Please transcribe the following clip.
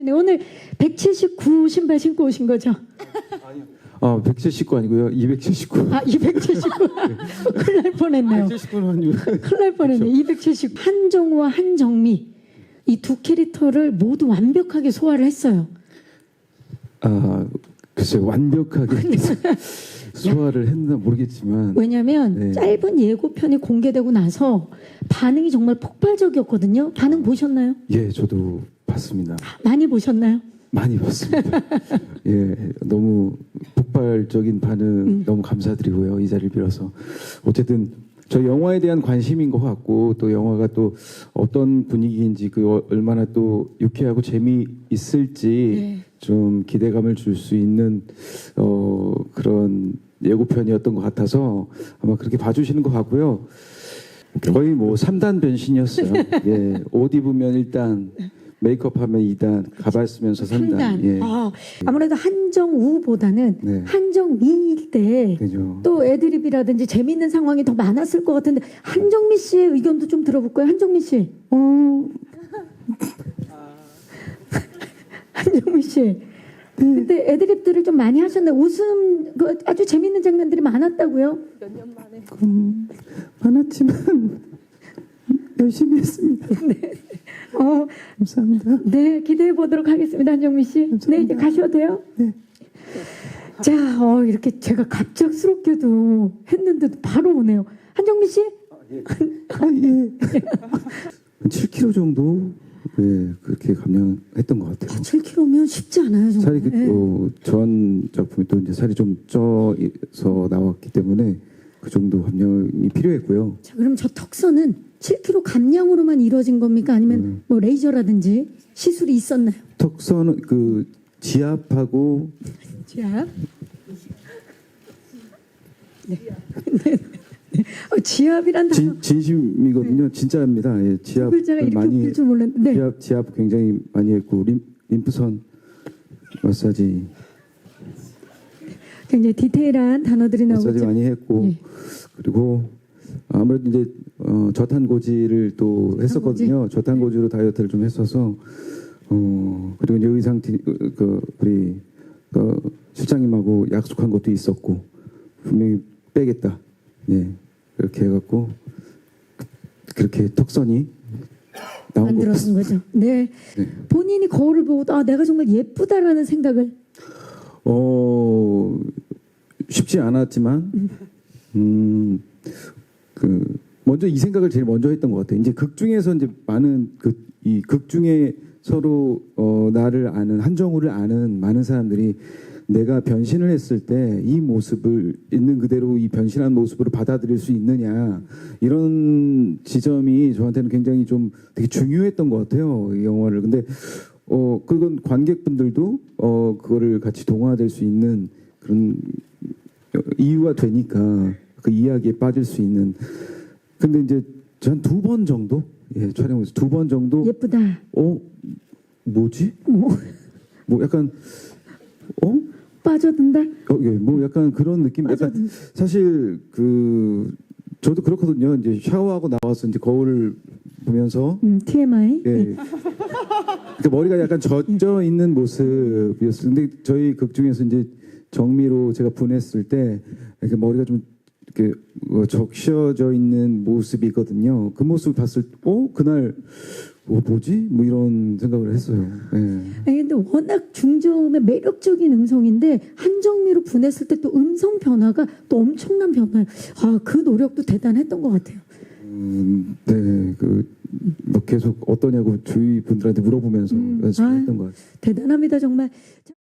네, 오늘 179 신발 신고 오신 거죠? 아니요. 179 아니고요. 279. 아, 279. 큰일 날 뻔했네요. 179는 큰일 날 뻔했네. 279. 한정우와 한정미 이 두 캐릭터를 모두 완벽하게 소화를 했어요. 글쎄 완벽하게 소화를 했나 모르겠지만 왜냐하면 네. 짧은 예고편이 공개되고 나서 반응이 정말 폭발적이었거든요. 반응 보셨나요? 예, 저도 봤습니다. 많이 보셨나요? 많이 봤습니다. 예, 너무 폭발적인 반응 너무 감사드리고요. 이 자리를 빌어서 어쨌든 저 영화에 대한 관심인 것 같고 또 영화가 또 어떤 분위기인지 그 얼마나 또 유쾌하고 재미있을지 네. 좀 기대감을 줄 수 있는 그런 예고편이었던 것 같아서 아마 그렇게 봐주시는 것 같고요. 거의 뭐 3단 변신이었어요. 예, 옷 입으면 1단, 메이크업하면 2단, 가발 쓰면서 3단. 3단. 예. 아무래도 한정우보다는 네. 한정미일 때 그죠. 또 애드립이라든지 재미있는 상황이 더 많았을 것 같은데 한정미 씨의 의견도 좀 들어볼까요? 한정미 씨. 한정미 씨. 근데 애드립들을 좀 많이 하셨는데 웃음 아주 재미있는 장면들이 많았다고요? 몇 년 만에. 많았지만 열심히 했습니다. 감사합니다. 네, 기대해 보도록 하겠습니다, 한정미 씨. 네, 이제 가셔도 돼요? 네. 자, 이렇게 제가 갑작스럽게도 했는데도 바로 오네요. 한정미 씨? 예. 7kg 정도 그렇게 감량했던 것 같아요. 7kg면 쉽지 않아요, 정말. 살이 전 작품이 또 이제 살이 좀 쪄서 나왔기 때문에 그 정도 감량이 필요했고요. 자, 그럼 저 턱선은 7kg 감량으로만 이루어진 겁니까? 아니면 뭐 레이저라든지 시술이 있었나요? 턱선은 그 지압하고 자, 네. 지압이란 단어 진심이거든요. 진짜입니다. 예, 두 글자가 이렇게 웃길 줄 몰랐는데. 네. 지압 굉장히 많이 했고 림프선 마사지 굉장히 디테일한 단어들이 나오고 마사지 있죠. 많이 했고 예. 그리고 아무래도 이제 저탄고지를 또 했었거든요. 저탄고지로 다이어트를 좀 했어서 그리고 이제 의상 우리 실장님하고 약속한 것도 있었고 분명히 빼겠다. 예, 그렇게 해갖고 그렇게 턱선이 나온 것 만들어진 같습니다. 거죠. 네. 네. 본인이 거울을 보고 내가 정말 예쁘다라는 생각을 쉽지 않았지만 먼저 이 생각을 제일 먼저 했던 것 같아요. 이제 극 중에서 이제 많은 이 극 중에 서로 나를 아는 한정우를 아는 많은 사람들이 내가 변신을 했을 때 이 모습을 있는 그대로 이 변신한 모습으로 받아들일 수 있느냐 이런 지점이 저한테는 굉장히 좀 되게 중요했던 것 같아요. 이 영화를. 근데 그건 관객분들도 그거를 같이 동화될 수 있는 그런 이유가 되니까 그 이야기에 빠질 수 있는. 근데 이제 전 2번 정도 촬영에서 2번 정도 예쁘다. 뭐지? 뭐 약간 빠져든다. 뭐 약간 그런 느낌. 약간 사실 저도 그렇거든요. 이제 샤워하고 나와서 이제 거울을 보면서 TMI. 예. 그러니까 머리가 약간 젖어 있는 모습이었어요. 근데 저희 극 중에서 이제 정미로 제가 분했을 때 이렇게 머리가 좀 이렇게 적셔져 있는 모습이거든요. 그 모습을 봤을 때 그날 뭐지? 뭐 이런 생각을 했어요. 예. 아니, 근데 워낙 중저음의 매력적인 음성인데 한정미로 분했을 때 또 음성 변화가 또 엄청난 변화예요. 그 노력도 대단했던 것 같아요. 네, 뭐 계속 어떠냐고 주위 분들한테 물어보면서 연습했던 것 같아요. 대단합니다, 정말.